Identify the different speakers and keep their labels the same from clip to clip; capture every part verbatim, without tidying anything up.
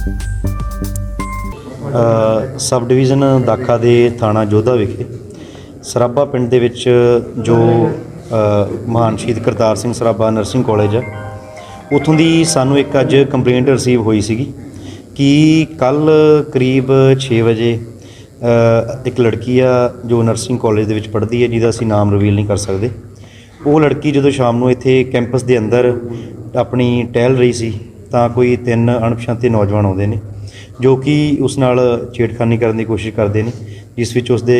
Speaker 1: Sub division Dakha दे थाणा जोधा विखे सराबा पिंड दे विच जो महान शहीद करतार सिंह सराबा नर्सिंग कॉलेज है उत्थों दी सानू एक अज कंप्लेंट रिसीव हुई सी कि कल करीब छे बजे एक लड़की आ जो नर्सिंग कॉलेज दे विच पढ़दी है जिहदा असीं नाम रिवील नहीं कर सकते। वो लड़की जो शाम नूं इत्थे कैंपस के अंदर अपनी टहल रही सी तां कोई तीन अणपछाते नौजवान आउंदे ने जो कि उस नाल छेड़खानी करने की कोशिश करते हैं, जिस विच उसदे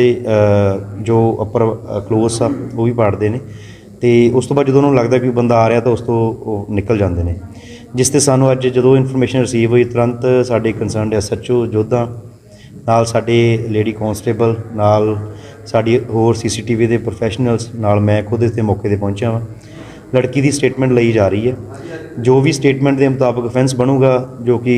Speaker 1: जो अपर क्लोज आ वो भी पाड़ते हैं तो उस तो बाद जो उन्होंने लगता कि बंदा आ रहा तो उस तो निकल जाते हैं। जिस ते सानू अज जो इन्फॉर्मेशन रिसीव हुई तुरंत साडे concerned S H O Jodha नाल साडे लेडी कॉन्स्टेबल नाल साडी होर सी सी टी वी के प्रोफैशनल्स नाल मैं खुद इस मौके पर पहुंचा वा। लड़की की स्टेटमेंट ली जा रही है, जो भी स्टेटमेंट के मुताबिक ऑफेंस बनूगा जो कि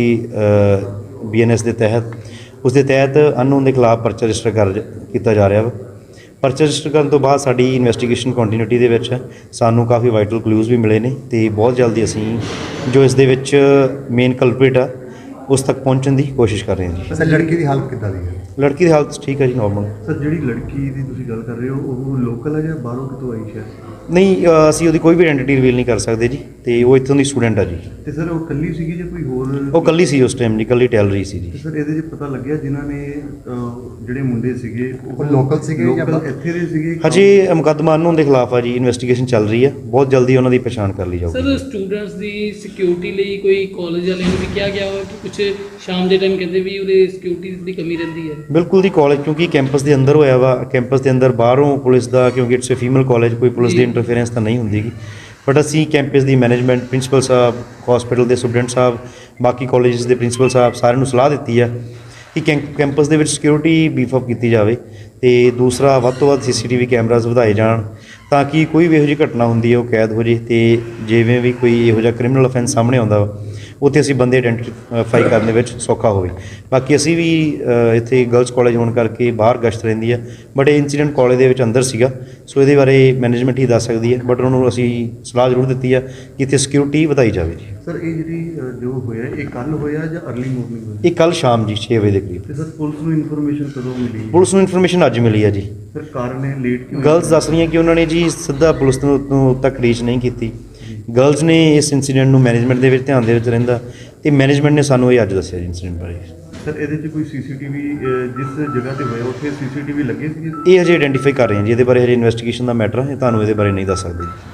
Speaker 1: बी एन एस के तहत उस दे तहत अननोन के खिलाफ परचा रजिस्टर कर किया जा रहा वा। परचा रजिस्टर करने तो बाद साडी इन्वैस्टिगेशन कंटिन्यूटी दे विच सानू काफ़ी वाइटल क्लूज भी मिले ने तो बहुत जल्दी असीं जो इस दे विच मेन कल्प्रिट आ उस तक पहुँचने की कोशिश कर रहे हैं जी।
Speaker 2: सर लड़की की हालत किद्दां दी है?
Speaker 1: लड़की की हालत ठीक है जी, नॉर्मल।
Speaker 2: सर जिहड़ी लड़की की तुसीं गल कर रहे हो वो लोकल है या बाहरों कितों आई है?
Speaker 1: नहीं असीं उहदी कोई भी आइडेंटिटी रिवील नहीं कर सकते जी, तो वो इत्थों दी स्टूडेंट है जी।
Speaker 2: तो सर वो कल्ली सीगी ਜਾਂ कोई होर?
Speaker 1: वो कल्ली सी उस टाइम जी, कल्ली टहल रही सी जी।
Speaker 2: सर ਇਹਦੇ 'ਚ ਪਤਾ ਲੱਗਿਆ ਜਿਨ੍ਹਾਂ ਨੇ ਜਿਹੜੇ ਮੁੰਡੇ ਸੀਗੇ ਉਹ
Speaker 3: ਲੋਕਲ ਸੀਗੇ ਜਾਂ
Speaker 2: ਲੋਕਲ ਇੱਥੇ ਦੇ ਸੀਗੇ?
Speaker 1: ਹਜੇ ਮੁਕੱਦਮਾ ਅਨਨੋਨ ਦੇ ਖਿਲਾਫ ਆ ਜੀ, ਇਨਵੈਸਟੀਗੇਸ਼ਨ ਚੱਲ ਰਹੀ ਹੈ, ਬਹੁਤ ਜਲਦੀ ਉਹਨਾਂ ਦੀ ਪਛਾਣ ਕਰ ਲਈ ਜਾਊਗੀ।
Speaker 4: ਸਰ ਸਟੂਡੈਂਟਸ ਦੀ ਸਿਕਿਉਰਿਟੀ ਲਈ ਕੋਈ ਕਾਲਜ ਵਾਲਿਆਂ ਨੂੰ ਵੀ ਕਿਹਾ ਗਿਆ ਹੋਇਆ ਕਿ ਕੁਝ ਸ਼ਾਮ ਦੇ ਟਾਈਮ ਕਹਿੰਦੇ ਵੀ ਉਹਦੇ ਸਿਕਿਉਰਿਟੀ ਦੀ ਕਮੀ ਰਹਿੰਦੀ ਹੈ?
Speaker 1: ਬਿਲਕੁਲ ਦੀ ਕਾਲਜ ਕਿਉਂਕਿ ਕੈਂਪਸ ਦੇ ਅੰਦਰ ਹੋਇਆ ਵਾ, ਕੈਂਪਸ ਦੇ ਅੰਦਰ ਬਾਹਰੋਂ ਪੁਲਿਸ ਦਾ ਕਿਉਂਕਿ ਇਟਸ ਅ ਫੀਮੇਲ ਕਾਲਜ ਕੋਈ ਪੁਲਿਸ ਦੀ ਇੰਟਰਫੇਰੈਂਸ ਤਾਂ ਨਹੀਂ ਹੁੰਦੀ ਗੀ, ਬਟ ਅਸੀਂ ਕੈਂਪਸ ਦੀ ਮੈਨੇਜਮੈਂਟ ਪ੍ਰਿੰਸੀਪਲ ਸਾਹਿਬ ਹਸਪੀਟਲ ਦੇ ਸੁਪਰਡੈਂਟ ਸਾਹਿਬ ਬਾਕੀ ਕਾਲਜਸ ਦੇ ਪ੍ਰਿੰਸੀਪਲ ਸਾਹਿਬ ਸਾਰਿਆਂ ਨੂੰ ਸਲਾਹ ਦਿੱਤੀ ਆ ਕਿ ਕੈਂ ਕੈਂਪਸ ਦੇ ਵਿੱਚ ਸਿਕਿਉਰਿਟੀ ਬੀਫ ਅਪ ਕੀਤੀ ਜਾਵੇ ਅਤੇ ਦੂਸਰਾ ਵੱਧ ਤੋਂ ਵੱਧ ਸੀ ਸੀ ਟੀ ਵੀ ਕੈਮਰਾਜ਼ ਵਧਾਏ ਜਾਣ ਤਾਂ ਕਿ ਕੋਈ ਵੀ ਇਹੋ ਜਿਹੀ ਘਟਨਾ ਹੁੰਦੀ ਹੈ ਉਹ ਕੈਦ ਹੋ ਜੇ ਅਤੇ ਜਿਵੇਂ ਵੀ ਕੋਈ ਇਹੋ ਜਿਹਾ ਕ੍ਰਿਮੀਨਲ ਅਫੈਂਸ ਸਾਹਮਣੇ ਆਉਂਦਾ ਵਾ ਉੱਥੇ ਅਸੀਂ ਬੰਦੇ ਆਇਡੈਂਟੀਫਾਈ ਕਰਨ ਦੇ ਵਿੱਚ ਸੌਖਾ ਹੋਵੇ। ਬਾਕੀ ਅਸੀਂ ਵੀ ਇੱਥੇ ਗਰਲਸ ਕਾਲਜ ਹੋਣ ਕਰਕੇ ਬਾਹਰ ਗਸ਼ਤ ਰਹਿੰਦੀ ਹੈ, ਬਟ ਇਹ ਇੰਸੀਡੈਂਟ ਕਾਲਜ ਦੇ ਵਿੱਚ ਅੰਦਰ ਸੀਗਾ, ਸੋ ਇਹਦੇ ਬਾਰੇ ਮੈਨੇਜਮੈਂਟ ਹੀ ਦੱਸ ਸਕਦੀ ਹੈ, ਬਟ ਉਹਨਾਂ ਨੂੰ ਅਸੀਂ ਸਲਾਹ ਜ਼ਰੂਰ ਦਿੱਤੀ ਆ ਕਿ ਇੱਥੇ ਸਿਕਿਉਰਿਟੀ ਵਧਾਈ ਜਾਵੇ ਜੀ।
Speaker 2: ਸਰ ਇਹ ਜਿਹੜੀ ਜੋ ਹੋਇਆ ਇਹ ਕੱਲ੍ਹ ਹੋਇਆ ਜਾਂ ਅਰਲੀ ਮੋਰਨਿੰਗ ਹੋਇਆ?
Speaker 1: ਇਹ ਕੱਲ੍ਹ ਸ਼ਾਮ ਜੀ ਛੇ ਵਜੇ ਦੇ ਕਰੀਬ।
Speaker 2: ਤੇ ਸਰ ਪੁਲਿਸ ਨੂੰ ਇਨਫੋਰਮੇਸ਼ਨ ਕਦੋਂ ਮਿਲੀ?
Speaker 1: ਪੁਲਿਸ ਨੂੰ ਇਨਫੋਰਮੇਸ਼ਨ ਅੱਜ ਮਿਲੀ ਆ ਜੀ।
Speaker 2: ਸਰ ਕਾਰਨ ਇਹ ਲੇਟ ਕਿਉਂ?
Speaker 1: ਗਰਲਸ ਦੱਸ ਰਹੀਆਂ ਕਿ ਉਹਨਾਂ ਨੇ ਜੀ ਸਿੱਧਾ ਪੁਲਿਸ ਨੂੰ ਤੱਕ ਰੀਚ ਨਹੀਂ ਕੀਤੀ। ਗਰਲਸ ਨੇ ਇਸ ਇੰਸੀਡੈਂਟ ਨੂੰ ਮੈਨੇਜਮੈਂਟ ਦੇ ਵਿੱਚ ਧਿਆਨ ਦੇ ਵਿੱਚ ਰਹਿੰਦਾ ਅਤੇ ਮੈਨੇਜਮੈਂਟ ਨੇ ਸਾਨੂੰ ਇਹ ਅੱਜ ਦੱਸਿਆ ਜੀ ਇੰਸੀਡੈਂਟ ਬਾਰੇ।
Speaker 2: ਸਰ ਇਹਦੇ 'ਚ ਕੋਈ ਸੀ ਸੀ ਟੀ ਵੀ ਜਿਸ ਜਗ੍ਹਾ 'ਤੇ ਹੋਇਆ ਉੱਥੇ ਸੀ ਸੀ ਟੀ ਵੀ ਲੱਗੇ ਸੀਗੇ?
Speaker 1: ਇਹ ਹਜੇ ਆਇਡੈਂਟੀਫਾਈ ਕਰ ਰਹੇ ਹਾਂ ਜੀ, ਇਹਦੇ ਬਾਰੇ ਹਜੇ ਇਨਵੈਸਟੀਗੇਸ਼ਨ ਦਾ ਮੈਟਰ ਹੈ, ਤੁਹਾਨੂੰ ਇਹਦੇ ਬਾਰੇ ਨਹੀਂ ਦੱਸ ਸਕਦੇ ਜੀ।